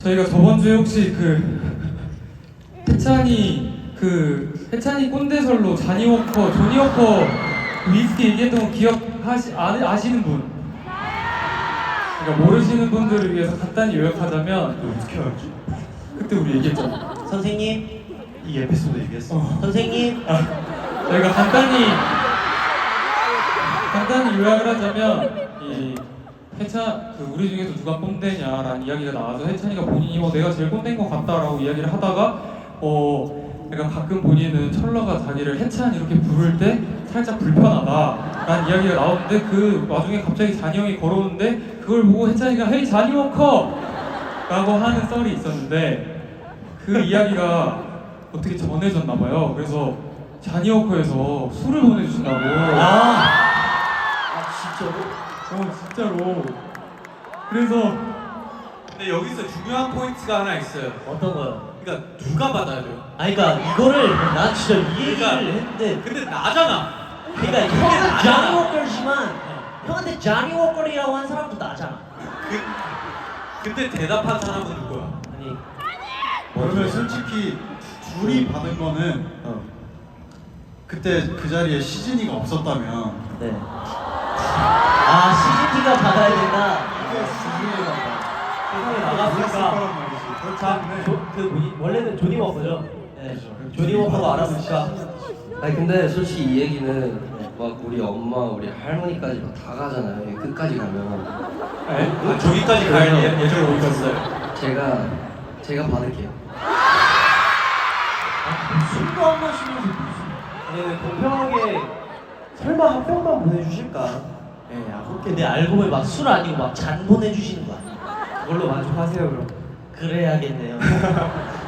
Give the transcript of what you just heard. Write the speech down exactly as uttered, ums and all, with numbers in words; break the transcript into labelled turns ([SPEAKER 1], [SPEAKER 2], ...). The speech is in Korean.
[SPEAKER 1] 저희가 저번 주에 혹시 그 해찬이 그 해찬이 꼰대설로 자니 워커, 조니 워커 위스키 얘기했던 거 기억하시 아, 아시는 분? 그러니까 모르시는 분들을 위해서 간단히 요약하자면
[SPEAKER 2] 어떻게 알지?
[SPEAKER 1] 그때 우리 얘기했잖아.
[SPEAKER 3] 선생님,
[SPEAKER 2] 이 에피소드 얘기했어.
[SPEAKER 1] 어.
[SPEAKER 3] 선생님.
[SPEAKER 1] 아, 저희가 간단히 간단히 요약을 하자면 이 해찬 그 우리 중에서 누가 꼰대냐라는 이야기가 나와서 해찬이가 본인이 어 내가 제일 꼰대인 것 같다라고 이야기를 하다가 어 약간 가끔 본인은 철러가 자기를 해찬 이렇게 부를 때 살짝 불편하다라는 이야기가 나오는데 그 와중에 갑자기 잔이 형이 걸어오는데 그걸 보고 해찬이가 헤이 자니 워커! 라고 하는 썰이 있었는데 그 이야기가 어떻게 전해졌나 봐요. 그래서 자니 워커에서 술을 보내주신다고.
[SPEAKER 3] 아, 아 진짜로?
[SPEAKER 1] 어 진짜로. 그래서
[SPEAKER 4] 근데 여기서 중요한 포인트가 하나 있어요.
[SPEAKER 3] 어떤 거요?
[SPEAKER 4] 그러니까 누가 받아야 돼요?
[SPEAKER 3] 아니 그러니까 이거를 난 진짜 이 얘기를
[SPEAKER 4] 그러니까
[SPEAKER 3] 했는데
[SPEAKER 4] 근데 나잖아.
[SPEAKER 3] 그러니까 형은 자니 워커지만 형한테 자니 워커이라고 한 사람도 나잖아.
[SPEAKER 4] 그, 근데 대답한 사람은 누구야?
[SPEAKER 3] 아니
[SPEAKER 2] 그러면 솔직히 둘이 받은 거는
[SPEAKER 3] 어.
[SPEAKER 2] 그때 그 자리에 시즌이가 없었다면
[SPEAKER 3] 네. 아 씨지티가 받아야 된다.
[SPEAKER 2] 이게 시즌이가
[SPEAKER 5] 세상에
[SPEAKER 2] 나갔을
[SPEAKER 5] 나갔으니까
[SPEAKER 2] 거란 말이지. 그렇기
[SPEAKER 5] 자,
[SPEAKER 2] 때문에
[SPEAKER 5] 조, 그 뭐니, 원래는 조니 워커죠?
[SPEAKER 3] 네.
[SPEAKER 5] 조니 워커가 알아보니까
[SPEAKER 6] 아니 근데 솔직히 이 얘기는 막 우리 엄마, 우리 할머니까지 막 다 가잖아요. 여기 끝까지 가면
[SPEAKER 4] 아, 저기까지 갈 예- 예정을 있었어요.
[SPEAKER 6] 제가 제가 받을게요.
[SPEAKER 3] 술도 안 마시면서 무슨?
[SPEAKER 5] 아니 공평하게 설마 한 병만 보내주실까?
[SPEAKER 3] 예, 아, 근데 알고 보니 막 술 아니고 막 잔 보내주시는 거 아니야?
[SPEAKER 5] 그걸로 만족하세요 그럼.
[SPEAKER 3] 그래야겠네요.